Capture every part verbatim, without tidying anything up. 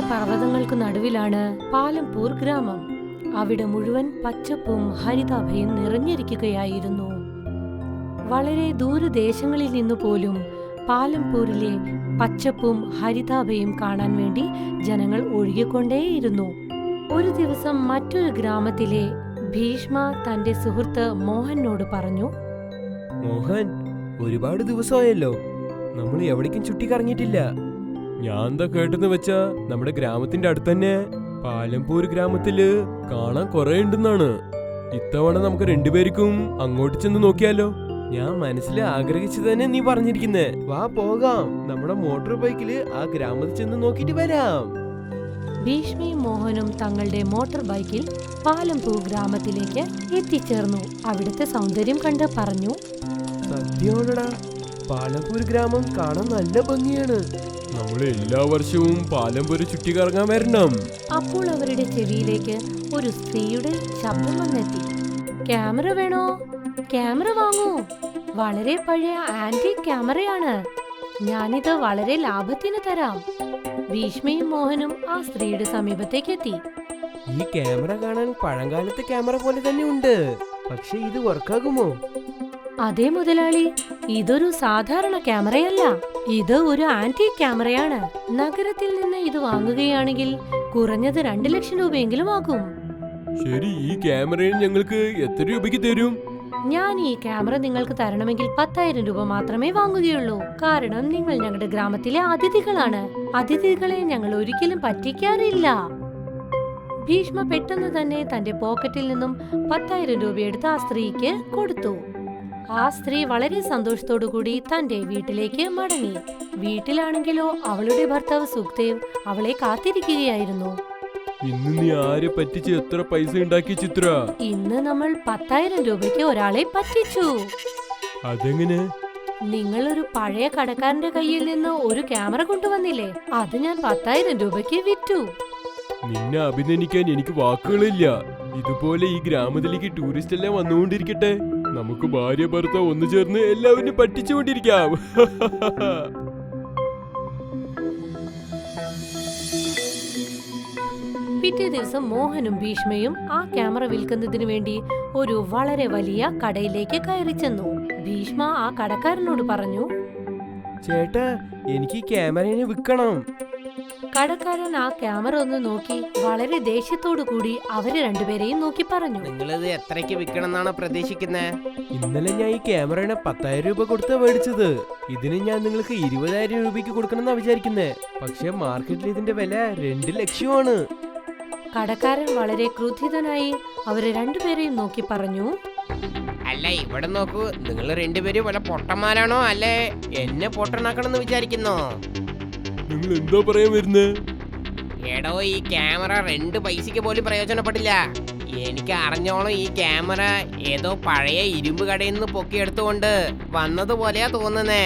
പർവ്വതങ്ങൾക്ക് നടുവിലാണ് പാലംപൂർ ഗ്രാമം. അവിടെ മുഴുവൻ പച്ചപ്പും ഹരിതാഭയും നിറഞ്ഞിരിക്കുകയായിരുന്നു. വളരെ ദൂരദേശങ്ങളിൽ നിന്നു പോലും പാലംപൂരിലെ പച്ചപ്പും ഹരിതാഭയും കാണാൻ വേണ്ടി ജനങ്ങൾ ഒഴുകിക്കൊണ്ടേയിരുന്നു. ഒരു ദിവസം മറ്റൊരു ഗ്രാമത്തിലെ ഭീഷ്മ തന്റെ സുഹൃത്ത് മോഹനോട് പറഞ്ഞു, മോഹൻ, ഒരുപാട് ദിവസമായല്ലോ, നമ്മൾ എവിടേക്കും ചുറ്റിക്കറങ്ങിയിട്ടില്ല. ഞാൻ എന്താ കേട്ടെന്ന് വെച്ചാ നമ്മുടെ ഗ്രാമത്തിന്റെ അടുത്ത് തന്നെ പാലംപൂർ ഗ്രാമത്തില് കാണാൻ കുറെ ഉണ്ടെന്നാണ്. ഇത്തവണ നമുക്ക് രണ്ടുപേർക്കും അങ്ങോട്ട് ചെന്ന് നോക്കിയാലോ? ഞാൻ മനസ്സിൽ ആഗ്രഹിച്ചു തന്നെ നീ പറഞ്ഞിരിക്കുന്നേ. വാ പോകാം, നമ്മുടെ മോട്ടോർ ബൈക്കില് ആ ഗ്രാമത്തിൽ ചെന്ന് നോക്കിട്ട് വരാം. ഭീഷ്മയും മോഹനും തങ്ങളുടെ മോട്ടോർ ബൈക്കിൽ പാലംപൂർ ഗ്രാമത്തിലേക്ക് എത്തിച്ചേർന്നു. അവിടുത്തെ സൗന്ദര്യം കണ്ട് പറഞ്ഞു, സത്യമാണടാ, പാലംപൂർ ഗ്രാമം കാണാൻ നല്ല ഭംഗിയാണ്. നമ്മൾ എല്ലാ വർഷവും പാലംപൂർ ചുറ്റിക്കറങ്ങാൻ വരണം. അപ്പോൾ അവരുടെ ചെവിയിലേക്ക് ഒരു സ്ത്രീയുടെ ശബ്ദം വന്നെത്തി. ക്യാമറ വേണോ? ക്യാമറ വാങ്ങൂ. വളരെ പഴയ ആന്റിക് ക്യാമറയാണ്. ഞാനിത് വളരെ ലാഭത്തിന് തരാം. ഭീഷ്മയും മോഹനും ആ സ്ത്രീയുടെ സമീപത്തേക്ക് എത്തി. ഈ ക്യാമറ കാണാൻ പഴങ്കാലത്തെ ക്യാമറ പോലെ തന്നെ ഉണ്ട്, പക്ഷെ ഇത് വർക്കാകുമോ? അതേ മുതലാളി, ഇതൊരു സാധാരണ ക്യാമറയല്ല, ഇത് ഒരു ആന്റിക് ക്യാമറയാണ്. നഗരത്തിൽ നിന്ന് ഇത് വാങ്ങുകയാണെങ്കിൽ കുറഞ്ഞത് രണ്ടു ലക്ഷം രൂപയെങ്കിലും ആകും. ശരി, ഈ ക്യാമറയിൽ ഞങ്ങൾക്ക് എത്ര രൂപയ്ക്ക് തരും? ഞാൻ ഈ ക്യാമറ നിങ്ങൾക്ക് തരണമെങ്കിൽ പത്തായിരം രൂപ മാത്രമേ വാങ്ങുകയുള്ളൂ. കാരണം നിങ്ങൾ ഞങ്ങളുടെ ഗ്രാമത്തിലെ അതിഥികളാണ്. അതിഥികളെ ഞങ്ങൾ ഒരിക്കലും പറ്റിക്കാറില്ല. ഭീഷ്മ പെട്ടെന്ന് തന്നെ തന്റെ പോക്കറ്റിൽ നിന്നും പത്തായിരം രൂപയെടുത്ത് ആ സ്ത്രീക്ക് കൊടുത്തു. ആ സ്ത്രീ വളരെ സന്തോഷത്തോടു കൂടി തന്റെ വീട്ടിലേക്ക് മടങ്ങി. വീട്ടിലാണെങ്കിലോ അവളുടെ ഭർത്താവ് സുഖ്ദേവ് അവളെ കാത്തിരിക്കുകയായിരുന്നു. ഇന്ന് നീ ആരെ പറ്റിച്ച് എത്ര പൈസ ഉണ്ടാക്കി ചിത്ര? ഇന്ന് നമ്മൾ പത്തായിരം രൂപയ്ക്ക് ഒരാളെ പറ്റിച്ചു. അതെങ്ങനെ? നിങ്ങൾ ഒരു പഴയ കടക്കാരന്റെ കയ്യിൽ നിന്ന് ഒരു ക്യാമറ കൊണ്ടുവന്നില്ലേ, അത് ഞാൻ പത്തായിരം രൂപയ്ക്ക് വിറ്റു. നിന്നെ അഭിനന്ദിക്കാൻ എനിക്ക് വാക്കുകളില്ല. ഇതുപോലെ ഈ ഗ്രാമത്തിലേക്ക് ടൂറിസ്റ്റ് എല്ലാം വന്നുകൊണ്ടിരിക്കട്ടെ. നമുക്ക് ഭാര്യ ഭർത്താവ് ഒന്നു ചേർന്ന് എല്ലാവരും പറ്റിച്ചുകൊണ്ടിരിക്കാം. പിറ്റേ ദിവസം മോഹനും ഭീഷ്മയും ആ ക്യാമറ വിൽക്കുന്നതിനു വേണ്ടി ഒരു വളരെ വലിയ കടയിലേക്ക് കയറി ചെന്നു. ഭീഷ്മ ആ കടക്കാരനോട് പറഞ്ഞു, ചേട്ടാ, എനിക്ക് ക്യാമറയെ വിൽക്കണം. കടക്കാരൻ ആ ക്യാമറ ഒന്ന് നോക്കി വളരെ ദേഷ്യത്തോടു കൂടി അവര് രണ്ടുപേരെയും നോക്കി പറഞ്ഞു, നിങ്ങളിത് എത്രയ്ക്ക് വിൽക്കണം എന്നാണ് പ്രതീക്ഷിക്കുന്നത്? ഇന്നലെ ഞാൻ ഈ ക്യാമറയുടെ പത്തായിരം രൂപ കൊടുത്താ മേടിച്ചത്. ഇതിന് ഞാൻ നിങ്ങൾക്ക് ഇരുപതായിരം രൂപയ്ക്ക് കൊടുക്കണമെന്നാ വിചാരിക്കുന്നേ. പക്ഷെ മാർക്കറ്റിൽ ഇതിന്റെ വില രണ്ട് ലക്ഷമാണ്. കടക്കാരൻ വളരെ ക്രുദ്ധിതനായി അവരെ രണ്ടുപേരെയും നോക്കി പറഞ്ഞു, അല്ല, ഇവിടെ നോക്കൂ, നിങ്ങൾ രണ്ടുപേരും വല്ല പൊട്ടന്മാരാണോ അല്ലെ എന്നെ പൊട്ടനാക്കണമെന്ന് വിചാരിക്കുന്നോ? നിങ്ങൾ എന്താ പറയാൻ വരുന്നേ? എടോ, ഈ ക്യാമറ രണ്ട് പൈസക്ക് പോലും പ്രയോജനപ്പെട്ടില്ല. എനിക്ക് അറിഞ്ഞോളം ഈ ക്യാമറ ഏതോ പഴയ ഇരുമ്പ് കടയിൽ നിന്ന് പൊക്കിയെടുത്തുകൊണ്ട് വന്നതുപോലെയാ തോന്നുന്നേ.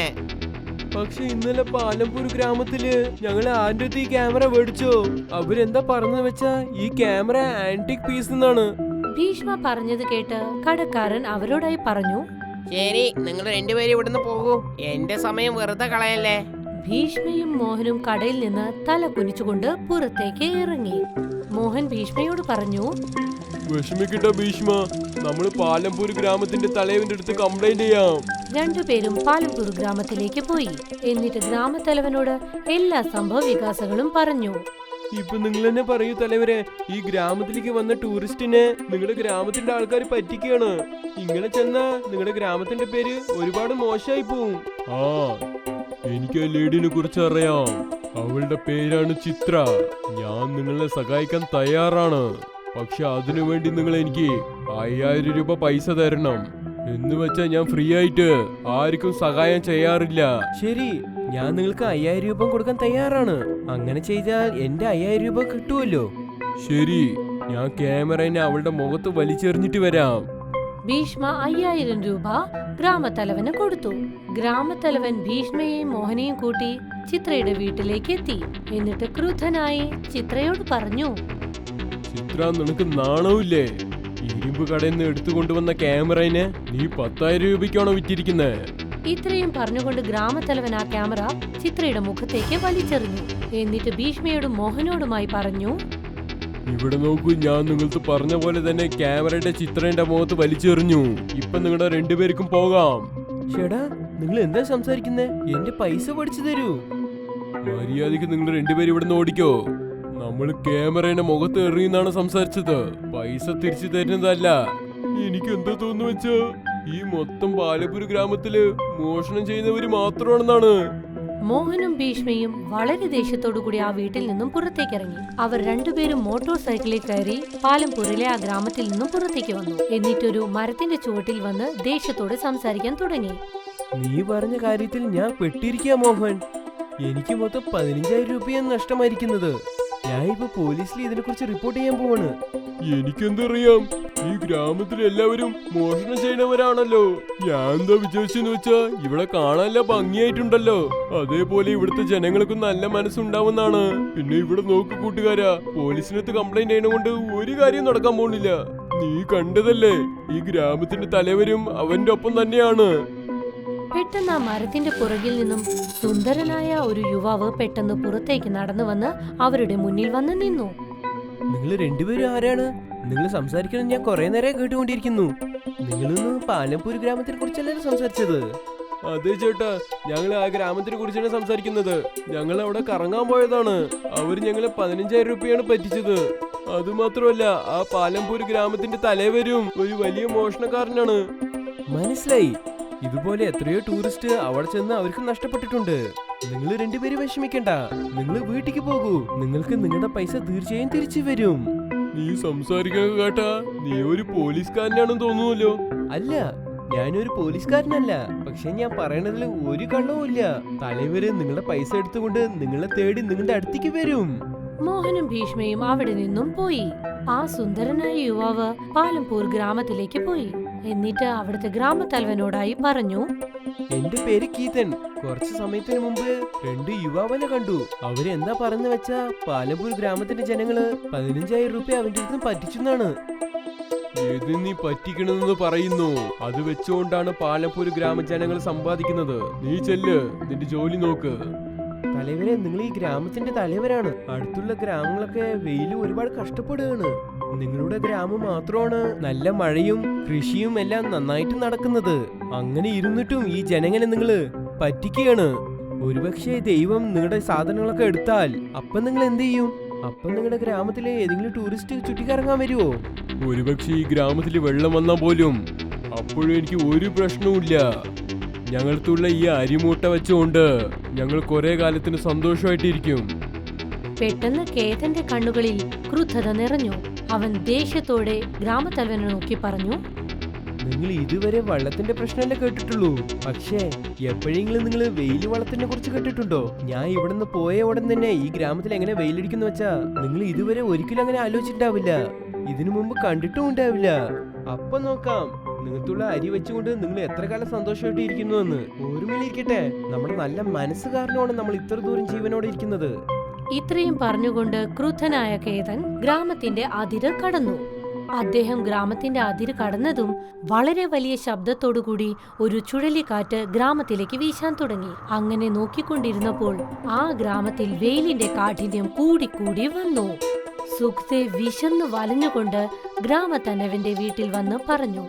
പക്ഷെ ഇന്നലെ പാലംപൂർ ഗ്രാമത്തില് ഞങ്ങള് ആന്റെ ഈ ക്യാമറ മേടിച്ചോ. അവരെന്താ പറഞ്ഞത് വെച്ചാ ഈ ക്യാമറ ആന്റിക് പീസ് എന്നാണ്. ഭീഷ്മ പറഞ്ഞത് കേട്ട് കടക്കാരൻ അവരോടായി പറഞ്ഞു, ശരി, നിങ്ങൾ രണ്ടുപേരും ഇവിടുന്ന് പോകൂ. എന്റെ സമയം വെറുതെ കളയല്ലേ. ഭീഷ്മയും മോഹനും കടയിൽ നിന്ന് തല കുനിച്ചുകൊണ്ട് പുറത്തേക്ക് ഇറങ്ങി. മോഹൻ ഭീഷ്മയോട് പറഞ്ഞു, വിഷമിക്കട്ട ഭീഷ്മ, നമ്മള് പാലംപൂർ ഗ്രാമത്തിന്റെ തലവന്റെ അടുത്ത് കംപ്ലൈന്റ് ചെയ്യാം. രണ്ടുപേരും പാലംപൂർ ഗ്രാമത്തിലേക്ക് പോയി. എന്നിട്ട് ഗ്രാമത്തലവനോട് എല്ലാ സംഭവ വികാസങ്ങളും പറഞ്ഞു. ഇപ്പൊ നിങ്ങൾ തന്നെ പറയൂ തലവരെ, ഈ ഗ്രാമത്തിലേക്ക് വന്ന ടൂറിസ്റ്റിനെ നിങ്ങളുടെ ഗ്രാമത്തിന്റെ ആൾക്കാർ പറ്റിക്കുകയാണ്. ഇങ്ങനെ ചെന്നാ നിങ്ങളുടെ ഗ്രാമത്തിന്റെ പേര് ഒരുപാട് മോശമായി പോവും. ആ, എനിക്ക് ആ ലേഡിനെ കുറിച്ച് അറിയാം. അവളുടെ പേരാണ് ചിത്ര. ഞാൻ നിങ്ങളെ സഹായിക്കാൻ തയ്യാറാണ്. പക്ഷെ അതിനു വേണ്ടി നിങ്ങൾ എനിക്ക് അയ്യായിരം രൂപ പൈസ തരണം. എന്ന് വെച്ചാ ഞാൻ ഫ്രീ ആയിട്ട് ആർക്കും സഹായം ചെയ്യാറില്ല. ശരി, ഞാൻ നിങ്ങൾക്ക് അയ്യായിരം രൂപ കൊടുക്കാൻ തയ്യാറാണ്. അങ്ങനെ ചെയ്താൽ എന്റെ അയ്യായിരം രൂപ കിട്ടുമല്ലോ. ശരി, ഞാൻ ക്യാമറനെ അവളുടെ മുഖത്ത് വലിച്ചെറിഞ്ഞിട്ട് വരാം. ഭീഷ്മ അയ്യായിരം രൂപ ഗ്രാമത്തലവന് കൊടുത്തു. ഗ്രാമത്തലവൻ ഭീഷ്മയെയും മോഹനെയും കൂട്ടി ചിത്രയുടെ വീട്ടിലേക്ക് എത്തി. എന്നിട്ട് ക്രുദ്ധനായി ചിത്രയോട് പറഞ്ഞു, ചിത്ര, നിനക്ക് നാണമില്ലേ? ഇരുമ്പ് കടയിൽ നിന്ന് എടുത്തുകൊണ്ടുവന്ന ക്യാമറനെ നീ പത്തായിരം രൂപയ്ക്കാണോ വിറ്റിരിക്കുന്നത്? ഇത്രയും പറഞ്ഞുകൊണ്ട് ഗ്രാമത്തലവൻ ആ ക്യാമറ ചിത്രയുടെ മുഖത്തേക്ക് വലിച്ചെറിഞ്ഞു. എന്നിട്ട് ഭീഷ്മയോടും മോഹനോടുമായി പറഞ്ഞു, ഇവിടെ നോക്കൂ, ഞാൻ നിങ്ങൾക്ക് പറഞ്ഞ പോലെ തന്നെ ക്യാമറയുടെ ചിത്രയുടെ മുഖത്ത് വലിച്ചെറിഞ്ഞു. ഇപ്പൊ നിങ്ങളുടെ രണ്ടുപേർക്കും പോകാം. ചേട്ടാ, നിങ്ങൾ എന്താ സംസാരിക്കുന്നേ? എന്റെ പൈസ പഠിച്ചു തരൂ. മര്യാദക്ക് നിങ്ങൾ രണ്ടുപേരും ഇവിടെ ഓടിക്കോ. നമ്മൾ ക്യാമറയുടെ മുഖത്ത് എറിയുന്നാണ് സംസാരിച്ചത്, പൈസ തിരിച്ചു തരുന്നതല്ല. എനിക്ക് എന്താ തോന്നുന്നു വെച്ചാ ഈ മൊത്തം പാലപ്പൂർ ഗ്രാമത്തില് മോഷണം ചെയ്യുന്നവര് മാത്രമാണെന്നാണ്. മോഹനും ഭീഷ്മയും വളരെ ദേഷ്യത്തോടു കൂടി ആ വീട്ടിൽ നിന്നും പുറത്തേക്കിറങ്ങി. അവർ രണ്ടുപേരും മോട്ടോർ സൈക്കിളിൽ കയറി പാലംപൂരിലെ ആ ഗ്രാമത്തിൽ നിന്നും പുറത്തേക്ക് വന്നു. എന്നിട്ടൊരു മരത്തിന്റെ ചുവട്ടിൽ വന്ന് ദേഷ്യത്തോടെ സംസാരിക്കാൻ തുടങ്ങി. നീ പറഞ്ഞ കാര്യത്തിൽ ഞാൻ പെട്ടിരിക്കുക മോഹൻ. എനിക്ക് മൊത്തം പതിനഞ്ചായിരം രൂപയാണ് നഷ്ടമായിരിക്കുന്നത്. ഞാൻ ഇപ്പൊ പോലീസിൽ ഇതിനെ കുറിച്ച് റിപ്പോർട്ട് ചെയ്യാൻ പോവാണ്. എനിക്കെന്തറിയാം, ഈ ഗ്രാമത്തിൽ എല്ലാവരും മോഷണം ചെയ്യുന്നവരാണല്ലോ. ഞാൻ എന്താ വിചാരിച്ചെന്ന് വെച്ചാ ഇവിടെ കാണാനല്ല ഭംഗിയായിട്ടുണ്ടല്ലോ, അതേപോലെ ഇവിടുത്തെ ജനങ്ങൾക്കും നല്ല മനസ്സുണ്ടാവുന്നാണ്. പിന്നെ ഇവിടെ നോക്ക് കൂട്ടുകാരാ, പോലീസിനകത്ത് കംപ്ലൈന്റ് ചെയ്യണ ഒരു കാര്യം നടക്കാൻ പോണില്ല. നീ കണ്ടതല്ലേ, ഈ ഗ്രാമത്തിന്റെ തലവരും അവന്റെ ഒപ്പം തന്നെയാണ്. പെട്ടെന്ന് ആ മരത്തിന്റെ പുറകിൽ നിന്നും സുന്ദരനായ ഒരു യുവാവ് പെട്ടെന്ന് പുറത്തേക്ക് നടന്നു വന്ന് അവരുടെ മുന്നിൽ വന്ന് നിന്നു. നിങ്ങൾ രണ്ടുപേരും ആരാണ്? നിങ്ങൾ സംസാരിക്കണം ഞാൻ കുറെ നേരം കേട്ടുകൊണ്ടിരിക്കുന്നു. നിങ്ങളൊന്ന് പാലംപൂർ ഗ്രാമത്തിനെ കുറിച്ചല്ലേ സംസാരിച്ചത്? അതെ ചേട്ടാ, ഞങ്ങൾ ആ ഗ്രാമത്തിനെ കുറിച്ചാണ് സംസാരിക്കുന്നത്. ഞങ്ങൾ അവിടെ കറങ്ങാൻ പോയതാണ്. അവർ ഞങ്ങളെ പതിനഞ്ചായിരം രൂപയാണ് പറ്റിച്ചത്. അതുമാത്രമല്ല, ആ പാലംപൂർ ഗ്രാമത്തിന്റെ തലവരും ഒരു വലിയ മോഷണക്കാരനാണ്. മനസ്സിലായി. ഇതുപോലെ എത്രയോ ടൂറിസ്റ്റ് അവിടെ ചെന്ന് അവർക്ക് നഷ്ടപ്പെട്ടിട്ടുണ്ട്. നിങ്ങൾ രണ്ടുപേരും വിഷമിക്കണ്ട, നിങ്ങൾ വീട്ടിക്ക് പോകൂ. നിങ്ങൾക്ക് നിങ്ങളുടെ പൈസ തീർച്ചയായും തിരിച്ചു വരും. നീ സംസാരിക്കാൻ കേട്ടാ നീ ഒരു പോലീസുകാരനാണെന്ന് തോന്നുന്നല്ലോ. അല്ല, ഞാനൊരു പോലീസുകാരനല്ല. പക്ഷെ ഞാൻ പറയണതിൽ ഒരു കള്ളവും ഇല്ല. തലവര് നിങ്ങളുടെ പൈസ എടുത്തുകൊണ്ട് നിങ്ങളെ തേടി നിങ്ങളുടെ അടുത്തേക്ക് വരും. മോഹനും ഭീഷ്മയും അവിടെ നിന്നും പോയി. ആ സുന്ദരനായ യുവാവ് പാലംപൂർ ഗ്രാമത്തിലേക്ക് പോയി. എന്നിട്ട് അവിടുത്തെ ഗ്രാമത്തലവനോടായി പറഞ്ഞു, എന്റെ പേര് കീതൻ. കുറച്ചു സമയത്തിന് മുമ്പ് രണ്ട് യുവാവനെ കണ്ടു. അവരെന്താ പറഞ്ഞു വെച്ചാ പാലപ്പൂർ ഗ്രാമത്തിന്റെ ജനങ്ങള് പതിനഞ്ചായിരം രൂപ അവന്റെ അടുത്ത് പറ്റിച്ചെന്നാണ്. ഏത് നീ പറ്റിക്കണമെന്ന് പറയുന്നു? അത് വെച്ചുകൊണ്ടാണ് പാലപ്പൂർ ഗ്രാമജനങ്ങൾ സമ്പാദിക്കുന്നത്. നീ ചെല്ല്, നിന്റെ ജോലി നോക്ക്. തലവരെ, നിങ്ങൾ ഈ ഗ്രാമത്തിന്റെ തലവരാണ്. അടുത്തുള്ള ഗ്രാമങ്ങളൊക്കെ വെയിലും ഒരുപാട് കഷ്ടപ്പെടുകയാണ്. നിങ്ങളുടെ ഗ്രാമം മാത്രമാണ് നല്ല മഴയും കൃഷിയും എല്ലാം നന്നായിട്ട് നടക്കുന്നത്. അങ്ങനെ ഇരുന്നിട്ടും ഈ ജനങ്ങളെ നിങ്ങള് പറ്റിക്കുകയാണ്. ഒരുപക്ഷെ ദൈവം നിങ്ങളുടെ സാധനങ്ങളൊക്കെ എടുത്താൽ അപ്പൊ നിങ്ങൾ എന്ത് ചെയ്യും? അപ്പൊ നിങ്ങളുടെ ഗ്രാമത്തിലെ ഏതെങ്കിലും ടൂറിസ്റ്റ് ചുറ്റിക്കറങ്ങാൻ വരുമോ? ഒരുപക്ഷെ ഈ ഗ്രാമത്തിൽ വെള്ളം വന്നാൽ പോലും അപ്പോഴും എനിക്ക് ഒരു പ്രശ്നവുമില്ല. ഞങ്ങൾക്കുള്ള ഈ അരിമൂട്ട വെച്ചുകൊണ്ട് ഞങ്ങൾ കുറെ കാലത്തിന് സന്തോഷമായിട്ടിരിക്കും. പെട്ടെന്ന് കേതന്റെ കണ്ണുകളിൽ ക്രുദ്ധത നിറഞ്ഞു. അവൻ ദേഷ്യത്തോടെ ഗ്രാമത്തലവനെ നോക്കി പറഞ്ഞു, നിങ്ങൾ ഇതുവരെ വള്ളത്തിന്റെ പ്രശ്നമല്ലേ കേട്ടിട്ടുള്ളൂ. പക്ഷേ എപ്പോഴെങ്കിലും നിങ്ങൾ വെയിൽ വള്ളത്തിനെ കുറിച്ച് കേട്ടിട്ടുണ്ടോ? ഞാൻ ഇവിടുന്ന് പോയ ഉടൻ തന്നെ ഈ ഗ്രാമത്തിൽ എങ്ങനെ വെയിലടിക്കുന്നു വെച്ചാ നിങ്ങൾ ഇതുവരെ ഒരിക്കലും അങ്ങനെ ആലോചിച്ചിട്ടുണ്ടാവില്ല. ഇതിനു മുമ്പ് കണ്ടിട്ടും ഉണ്ടാവില്ല. അപ്പൊ നോക്കാം നിങ്ങൾക്കുള്ള അരി വെച്ചുകൊണ്ട് നിങ്ങൾ എത്ര കാലം സന്തോഷമായിട്ട് ഇരിക്കുന്നു എന്ന്. ഓർമ്മയിലിരിക്കട്ടെ, നമ്മുടെ നല്ല മനസ്സ് കാരണമാണ് നമ്മൾ ഇത്ര ദൂരം ജീവനോടെ ഇരിക്കുന്നത്. ഇത്രയും പറഞ്ഞുകൊണ്ട് ക്രുദ്ധനായ കേതൻ ഗ്രാമത്തിന്റെ അതിര് കടന്നു. അദ്ദേഹം ഗ്രാമത്തിന്റെ അതിര് കടന്നതും വളരെ വലിയ ശബ്ദത്തോടുകൂടി ഒരു ചുഴലിക്കാറ്റ് ഗ്രാമത്തിലേക്ക് വീശാൻ തുടങ്ങി. അങ്ങനെ നോക്കിക്കൊണ്ടിരുന്നപ്പോൾ ആ ഗ്രാമത്തിൽ വെയിലിന്റെ കാഠിന്യം കൂടിക്കൂടി വന്നു. സുഖ്ദേവ് വിശന്ന് വലഞ്ഞുകൊണ്ട് ഗ്രാമത്തലവന്റെ വീട്ടിൽ വന്ന് പറഞ്ഞു,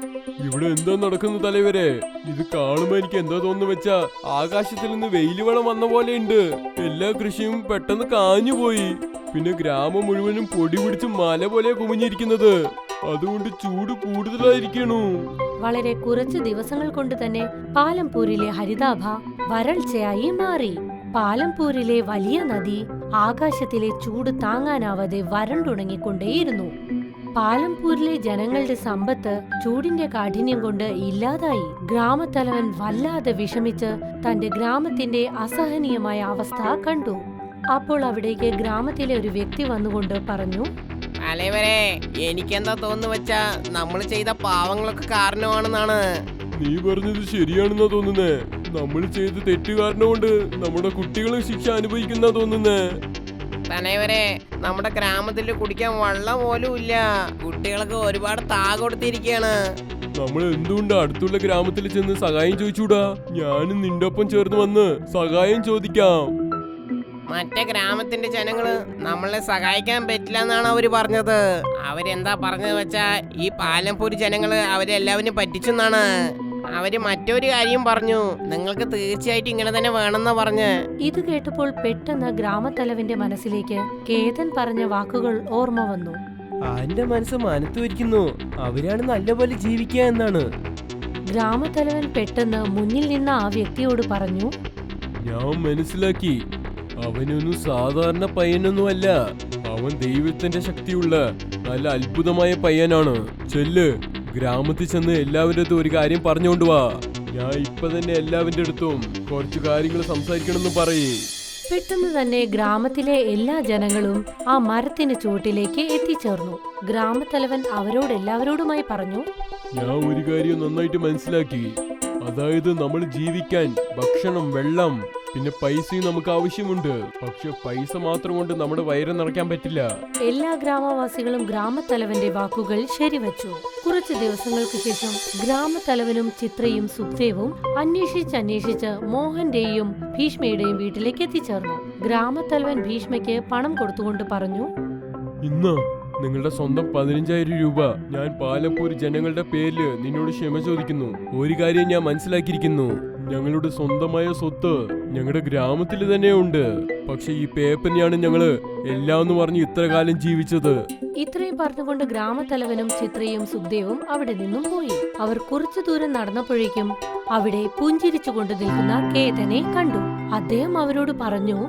ഇവിടെ എന്താ നടക്കുന്ന തലവരെ? ഇത് കാണുമ്പോ എനിക്ക് എന്താ തോന്നുന്നു വെച്ചാ ആകാശത്തിൽ നിന്ന് വെയിൽ വളം വന്ന പോലെയുണ്ട്. എല്ലാ കൃഷിയും പെട്ടെന്ന് കാഞ്ഞുപോയി. പിന്നെ ഗ്രാമം മുഴുവനും പൊടി പിടിച്ച് മല പോലെ കുമിഞ്ഞിരിക്കുന്നത്. അതുകൊണ്ട് ചൂട് കൂടുതലായിരിക്കണു. വളരെ കുറച്ച് ദിവസങ്ങൾ കൊണ്ട് തന്നെ പാലംപൂരിലെ ഹരിതാഭ വരൾച്ചയായി മാറി. പാലംപൂരിലെ വലിയ നദി ആകാശത്തിലെ ചൂട് താങ്ങാനാവാതെ വരണ്ടുണങ്ങിക്കൊണ്ടേയിരുന്നു. പാലംപൂരിലെ ജനങ്ങളുടെ സമ്പത്ത് ചൂടിന്റെ കാഠിന്യം കൊണ്ട് ഇല്ലാതായി. ഗ്രാമത്തലവൻ വല്ലാതെ വിഷമിച്ച് തന്റെ ഗ്രാമത്തിന്റെ അസഹനീയമായ അവസ്ഥ കണ്ടു. അപ്പോൾ അവിടേക്ക് ഗ്രാമത്തിലെ ഒരു വ്യക്തി വന്നുകൊണ്ട് പറഞ്ഞു, തലവരെ, എനിക്കെന്താ തോന്നുന്നു വെച്ചാ നമ്മൾ ചെയ്ത പാവങ്ങളൊക്കെ കാരണമാണെന്നാണ്. നീ പറഞ്ഞത് ശരിയാണെന്നാ തോന്നുന്നേ. നമ്മൾ ചെയ്ത തെറ്റ് കാരണം കൊണ്ട് നമ്മുടെ കുട്ടികളും ശിക്ഷ അനുഭവിക്കുന്ന തോന്നുന്നേ. തലവരെ, നമ്മുടെ ഗ്രാമത്തിൽ കുടിക്കാൻ വെള്ളം പോലും ഇല്ല. കുട്ടികൾക്ക് ഒരുപാട് താ കൊടുത്തിരിക്കുകയാണ്. നമ്മൾ എന്തുകൊണ്ട് അടുത്തുള്ള ഗ്രാമത്തിൽ ചെന്ന് സഹായം ചോദിച്ചൂടാ? ഞാനും നിന്റെ ഒപ്പം ചേർന്ന് വന്ന് സഹായം ചോദിക്കാം. മറ്റേ ഗ്രാമത്തിന്റെ ജനങ്ങള് നമ്മളെ സഹായിക്കാൻ പറ്റില്ല എന്നാണ് അവര് പറഞ്ഞത്. അവരെന്താ പറഞ്ഞത് വെച്ചാ ഈ പാലംപൂര് ജനങ്ങള് അവരെല്ലാവരും പറ്റിച്ചെന്നാണ്. അവര് മറ്റൊരു കാര്യം പറഞ്ഞു, നിങ്ങൾക്ക് തീർച്ചയായിട്ടും ഇങ്ങനെ തന്നെ വേണമെന്നാ പറഞ്ഞ്. ഇത് കേട്ടപ്പോൾ പെട്ടെന്ന് ഗ്രാമത്തലവന്റെ മനസ്സിലേക്ക് കേതൻ പറഞ്ഞ വാക്കുകൾ ഓർമ്മ വന്നു. ആന്റെ മനസ്സ് മനത്തു വരിക്കുന്നു, അവരാണ് നല്ലപോലെ ജീവിക്കുക എന്നാണ്. ഗ്രാമത്തലവൻ പെട്ടെന്ന് മുന്നിൽ നിന്ന ആ വ്യക്തിയോട് പറഞ്ഞു, ഞാൻ മനസ്സിലാക്കി, അവനൊന്നും സാധാരണ പയ്യനൊന്നുമല്ല. അവൻ ദൈവത്തിന്റെ ശക്തിയുള്ള നല്ല അത്ഭുതമായ പയ്യനാണ്. ചെല്ല്, ഗ്രാമത്തിൽ ചെന്ന് എല്ലാവരുടെ ഒരു കാര്യം പറഞ്ഞുകൊണ്ട് വാ. ഞാൻ ഇപ്പൊ തന്നെ എല്ലാവരുടെ അടുത്തും കുറച്ചു കാര്യങ്ങൾ സംസാരിക്കണമെന്ന് പറയേ. പെട്ടെന്ന് തന്നെ ഗ്രാമത്തിലെ എല്ലാ ജനങ്ങളും ആ മരത്തിന് ചുവട്ടിലേക്ക് എത്തിച്ചേർന്നു. ഗ്രാമത്തലവൻ അവരോടെല്ലാവരോടുമായി പറഞ്ഞു, ഞാൻ ഒരു കാര്യം നന്നായിട്ട് മനസ്സിലാക്കി. അതായത് നമ്മൾ ജീവിക്കാൻ ഭക്ഷണം, വെള്ളം, പിന്നെ പൈസയും നമുക്ക് ആവശ്യമുണ്ട്. പക്ഷെ പൈസ മാത്രം കൊണ്ട് നമ്മുടെ വയറ് നിറയ്ക്കാൻ പറ്റില്ല. എല്ലാ ഗ്രാമവാസികളും ഗ്രാമത്തലവന്റെ വാക്കുകൾ ശരിവച്ചു. കുറച്ചു ദിവസങ്ങൾക്ക് ശേഷം ഗ്രാമത്തലവനും ചിത്രയും സുഖദേവും അന്വേഷിച്ച് അന്വേഷിച്ച് മോഹന്റെയും ഭീഷ്മയുടെയും വീട്ടിലേക്ക് എത്തിച്ചേർന്നു. ഗ്രാമത്തലവൻ ഭീഷ്മയ്ക്ക് പണം കൊടുത്തുകൊണ്ട് പറഞ്ഞു, ഇന്ന് നിങ്ങളുടെ സ്വന്തം പതിനഞ്ചായിരം രൂപ ഞാൻ പാലപ്പൂർ ജനങ്ങളുടെ പേരില് നിന്നോട് ക്ഷമ ചോദിക്കുന്നു. ഒരു കാര്യം ഞാൻ മനസ്സിലാക്കിയിരിക്കുന്നു, ഞങ്ങളുടെ സ്വന്തമായ സ്വത്ത് ഞങ്ങളുടെ ഗ്രാമത്തിൽ തന്നെ ഉണ്ട്. പക്ഷെ ഈ പേപ്പറിനെയാണ് ഞങ്ങള് എല്ലാം എന്ന് പറഞ്ഞ് ഇത്ര കാലം ജീവിച്ചത്. ഇത്രയും പറഞ്ഞുകൊണ്ട് ഗ്രാമത്തലവനും ചിത്രയും സുഖദേവും അവിടെ നിന്നും പോയി. അവർ കുറച്ചു ദൂരം നടന്നപ്പോഴേക്കും അവിടെ പുഞ്ചിരിച്ചുകൊണ്ട് നിൽക്കുന്ന കേതനെ കണ്ടു. അദ്ദേഹം അവരോട് പറഞ്ഞു,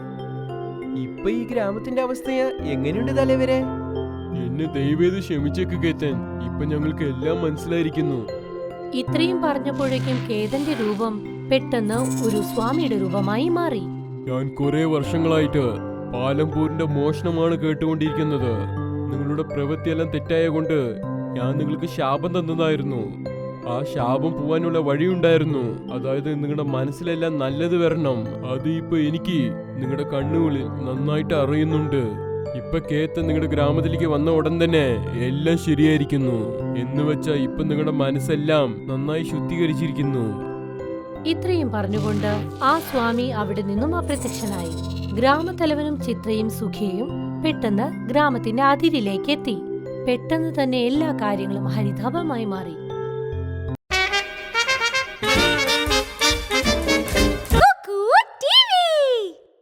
ഇപ്പൊ ഈ ഗ്രാമത്തിന്റെ അവസ്ഥ എങ്ങനെയുണ്ട് തലവരെ? എന്നെ ദയവേത് ക്ഷമിച്ചേക്ക് കേതൻ, ഇപ്പൊ ഞങ്ങൾക്ക് എല്ലാം മനസ്സിലായിരിക്കുന്നു. ഇത്രയും പറഞ്ഞപ്പോഴേക്കും കേതന്റെ രൂപം പെട്ടെന്ന് ഒരു സ്വാമിയുടെ രൂപമായി മാറി. ഞാൻ കുറെ വർഷങ്ങളായിട്ട് പാലംപൂരിന്റെ മോഷണമാണ് കേട്ടുകൊണ്ടിരിക്കുന്നത്. നിങ്ങളുടെ പ്രവൃത്തിയെല്ലാം തെറ്റായ കൊണ്ട് ഞാൻ നിങ്ങൾക്ക് ശാപം തന്നതായിരുന്നു. ആ ശാപം പോവാനുള്ള വഴിയുണ്ടായിരുന്നു. അതായത് നിങ്ങളുടെ മനസ്സിലെല്ലാം നല്ലത് വരണം. അത് ഇപ്പൊ എനിക്ക് നിങ്ങളുടെ കണ്ണുകളിൽ നന്നായിട്ട് അറിയുന്നുണ്ട്. ഇപ്പൊ കേത്ത നിങ്ങളുടെ ഗ്രാമത്തിലേക്ക് വന്ന ഉടൻ തന്നെ എല്ലാം ശരിയായിരിക്കുന്നു. എന്ന് വെച്ചാ ഇപ്പൊ നിങ്ങളുടെ മനസ്സെല്ലാം നന്നായി ശുദ്ധീകരിച്ചിരിക്കുന്നു. ഇത്രയും പറഞ്ഞുകൊണ്ട് ആ സ്വാമി അവിടെ നിന്നും അപ്രത്യക്ഷനായി. ഗ്രാമത്തലവനും ചിത്രയും സുഖിയും പെട്ടെന്ന് ഗ്രാമത്തിന്റെ അതിരിലേക്ക് എത്തി. പെട്ടെന്ന് തന്നെ എല്ലാ കാര്യങ്ങളും ഹരിതാപമായി മാറി.